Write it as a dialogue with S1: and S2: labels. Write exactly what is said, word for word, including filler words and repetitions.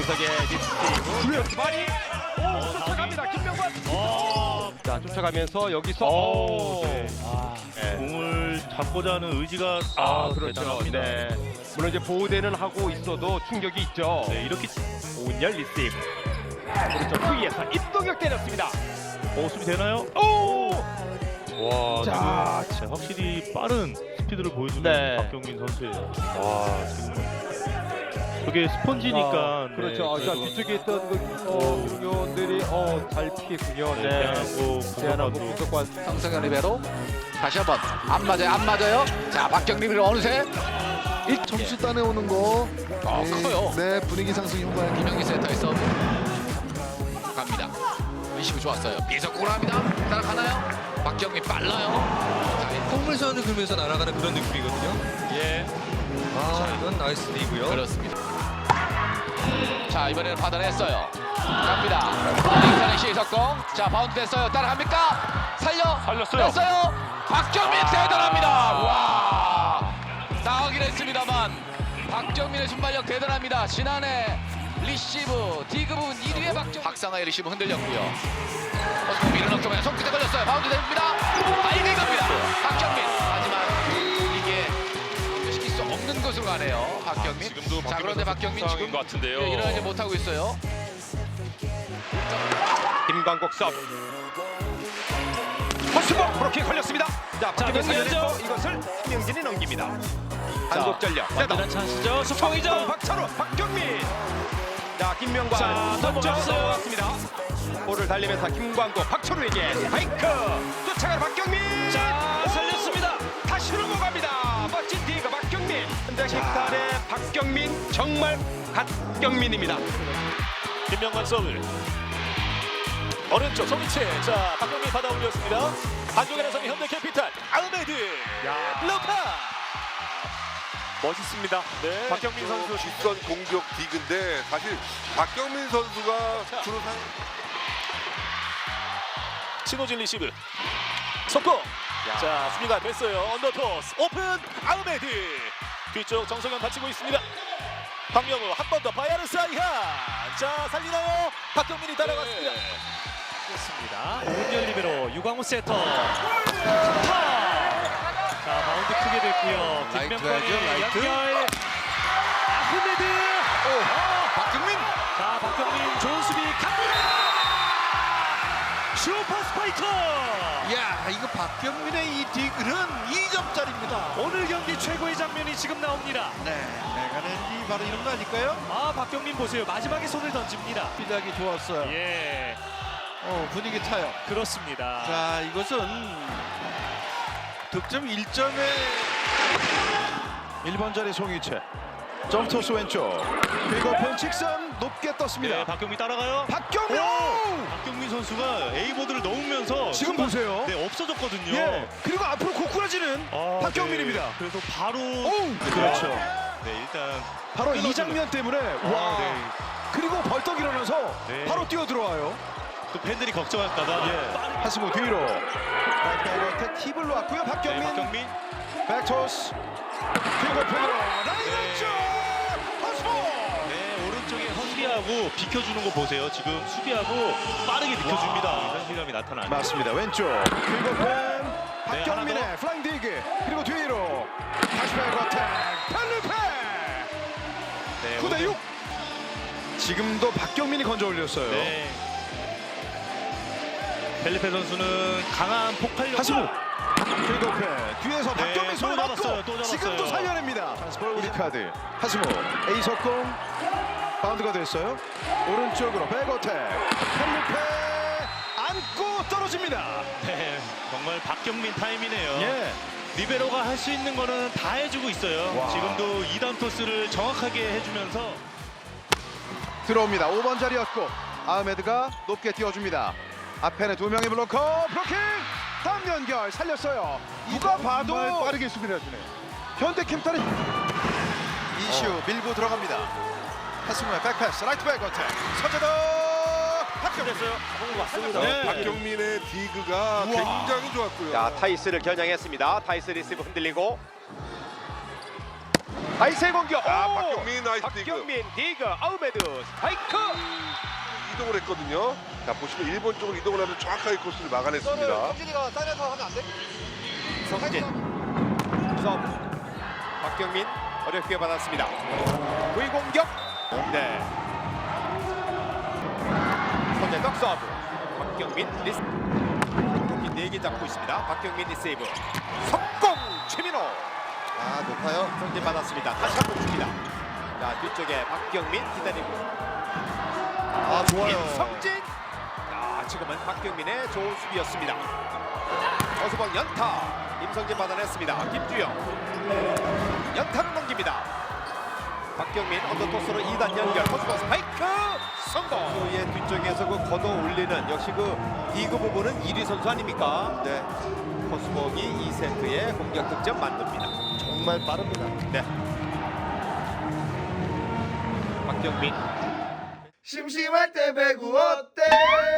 S1: 이석의 리스테이브 많이 오 쫓아갑니다. 김명관. 오. 자 쫓아가면서 여기서 오.
S2: 네.
S1: 아, 네.
S2: 공을 잡고자 하는 의지가
S1: 아,
S2: 아,
S1: 그렇죠.
S2: 대단합니다.
S1: 네. 물론 이제 보호대는 하고 있어도 충격이 있죠.
S2: 네, 이렇게
S1: 오은열 리스테이브. 오른쪽 후위에서 입동격 때렸습니다.
S2: 어, 수비 되나요?
S1: 오.
S2: 와,
S1: 자,
S2: 지금 확실히 빠른 스피드를 보여주는
S1: 네.
S2: 박경민 선수예요. 와, 지금 저게 스펀지니까.
S1: 아, 그렇죠.
S2: 네,
S1: 자
S2: 그래도
S1: 뒤쪽에 있던 그 어, 중요원들이 어, 잘 피했군요.
S2: 네,
S1: 네.
S2: 대안하고
S1: 대안하고
S2: 분석관도.
S1: 분석관.
S3: 성성현 리베로 다시 한번 안 맞아요 안 맞아요. 자 박경림 리베로 어느새 일
S4: 점수 따내오는 거.
S3: 아, 커요.
S4: 네, 분위기 상승 효과.
S3: 김영기 센터의 서브 갑니다. 리시브 좋았어요. 비석공을 합니다. 따라가나요? 박경림 빨라요. 자,
S5: 콩물선을 그으면서 날아가는 그런 느낌이거든요.
S3: 예
S5: 아, 이건 나이스 리고요.
S3: 그렇습니다. 자 이번에는 받아냈어요. 갑니다. 링산의 시석공. 자 바운드 됐어요. 따라갑니까? 살려
S2: 살렸어요.
S3: 뺐어요. 박경민 대단합니다. 와 나가긴 했습니다만 박경민의 순발력 대단합니다. 지난해 리시브 디그 부분 일 위의 박경 박상하의 리시브 흔들렸고요. 어서 밀어넣기만 손끝에 걸렸어요. 바운드 됩니다. 빨리 갑니다. 박경민. 하지만 이게 시킬 수 없는 것으로 가네요. 박경민.
S6: 아, 지금도
S3: 자 그런데 박경민 지금
S6: 것 같은데요.
S3: 예, 일어나지 못하고 있어요.
S1: 김광국 서브. 허스버 그렇게 걸렸습니다. 자, 박경민 살려냈고 이것을 김영진이 넘깁니다. 한국 전력.
S5: 완전한 찬스죠.
S1: 속공이죠. 박찬호, 박경민. 자, 김명관.
S5: 자,
S1: 먼저
S5: 넘어갔어요.
S1: 넘어갔습니다. 볼을 달리면서 김광국, 박철우에게 스파이크. 쫓아가는 박경민.
S5: 자,
S1: 오!
S5: 살렸습니다.
S1: 다시 넘어갑니다. 멋진 디그 박경민. 현재 킥탄의 박경민 정말 갓경민입니다.
S2: 김명관 서브. 오른쪽 송이채. 자, 박경민 받아 올렸습니다. 한쪽에 나서는 현대캐피탈 아흐메드. 루파. 멋있습니다. 네.
S6: 박경민 선수 뒷선 공격 디그인데 사실 박경민 선수가 주로 상
S2: 신호진 리시브. 속공. 자, 수비가 됐어요. 언더토스 오픈 아흐메드. 뒤쪽 정성현 받치고 있습니다. 박명우 한 번 더 바야르 사이한. 자, 살리나요? 박경민이 따라갔습니다. 그렇습니다. 오은열 리베로 유광호 세터. 타. 자, 바운드 크게 됐고요.
S3: 라이트
S2: 김명관이
S3: 가야죠, 라이트.
S2: 연결. 아흐메드.
S3: 박경민.
S2: 자, 박경민 좋은 수비 갑니다. 슈퍼 스파이커.
S4: 야, 이거 박경민의 이 디글은 이 점짜리입니다.
S2: 오늘 경기 최고의 장면이 지금 나옵니다.
S4: 네, 내가 낸이 바로 이런 거 아닐까요?
S2: 아, 박경민 보세요. 마지막에 손을 던집니다.
S4: 시작이 좋았어요.
S2: 예,
S4: 어, 분위기 타요.
S2: 그렇습니다.
S4: 자, 이것은 득점 일 점에 일 번 자리 송이채. 점토스 왼쪽. 그리고 펜 직선 높게 떴습니다.
S2: 네, 박경민 따라가요.
S4: 박경민!
S2: 박경민 선수가 A보드를 넣으면서
S4: 지금 보세요.
S2: 네, 없어졌거든요.
S4: 예, 그리고 앞으로 고꾸라지는
S2: 아,
S4: 박경민입니다.
S2: 네. 그래서 바로
S4: 오!
S2: 그렇죠. 네, 일단
S4: 바로
S2: 끊어주는.
S4: 이 장면 때문에
S2: 아,
S4: 와.
S2: 네.
S4: 그리고 벌떡 일어나서
S2: 네.
S4: 바로 뛰어 들어와요.
S2: 또 팬들이 걱정할까봐
S4: 예.
S2: 빠르게.
S4: 하시고 뒤로. 백백어택 팁을 놓았고요.
S2: 네,
S4: 박경민.
S2: 박경민.
S4: 백토스. 그리고 펜으로 라인 왼쪽. 허스모.
S2: 네, 오른쪽에 수비하고 비켜주는 거 보세요. 지금 수비하고 빠르게 비켜줍니다. 현실감이 나타나요.
S4: 맞습니다. 왼쪽. 그리고 펜.
S2: 네,
S4: 박경민의
S2: 하나
S4: 플라잉 디그. 그리고 뒤로. 다시 백어택. 펠리페.
S2: 네,
S4: 구 대 육. 지금도 박경민이 건져 올렸어요.
S2: 네. 펠리페 선수는 강한 폭발력.
S4: 하시무. 그리고 펜. 뒤에서
S2: 네,
S4: 박경민
S2: 또
S4: 손을
S2: 잡았어요,
S4: 맞고
S2: 또 잡았어요.
S4: 지금도 살려냅니다. 우리 카드. 하시무. A 석공. 바운드가 됐어요. 오른쪽으로 백어택. 펠리페 안고 떨어집니다.
S2: 네, 정말 박경민 타임이네요.
S4: 예.
S2: 리베로가 할 수 있는 거는 다 해주고 있어요.
S4: 와.
S2: 지금도 이 단 토스를 정확하게 해주면서
S4: 들어옵니다. 오 번 자리였고 아흐메드가 높게 띄워줍니다. 앞에는 두 명의 블로커 블로킹 다음 연결 살렸어요. 누가 봐도 빠르게 수비를 해주네. 현대캠타는 이슈 밀고 들어갑니다. 하승우의 백패스 라이트 백 어택 서재도 합격했어요.
S1: 맞습니다.
S4: 네.
S6: 박경민의 디그가 굉장히 좋았고요.
S1: 자, 타이스를 겨냥했습니다. 타이스 리시브 흔들리고 아이스의 공격.
S6: 아,
S1: 오!
S6: 박경민 나이스 디그.
S1: 박경민 디그 아우메드 스파이크.
S6: 이동을 했거든요. 자, 보시면 일본 쪽으로 이동을 하면서 정확하게 코스를 막아냈습니다.
S1: 성진 서브. 박경민 어렵게 받았습니다. V 공격. 네. 손에 떡 서브. 박경민 리스. 공기 네 개 잡고 있습니다. 박경민 리세이브. 석공 최민호.
S4: 아 높아요.
S1: 성진 받았습니다. 다시 한번 줍니다. 자 뒤쪽에 박경민 기다리고.
S4: 아 좋아요.
S1: 임성진. 자 지금은 박경민의 좋은 수비였습니다. 어수박 연타. 임성진 받아냈습니다. 김주영. 연타를 넘깁니다. 박경민 언더토스로 이 단 연결. 어수박 스파이크 성공. 선수의 뒤쪽에서 그 걷어 올리는 역시 그 디그 부분은 일 위 선수 아닙니까? 네. 코스복이 이 세트에 공격 득점 만듭니다.
S4: 정말 빠릅니다.
S1: 네. 박경민.
S4: 심심할 때 배구 어때?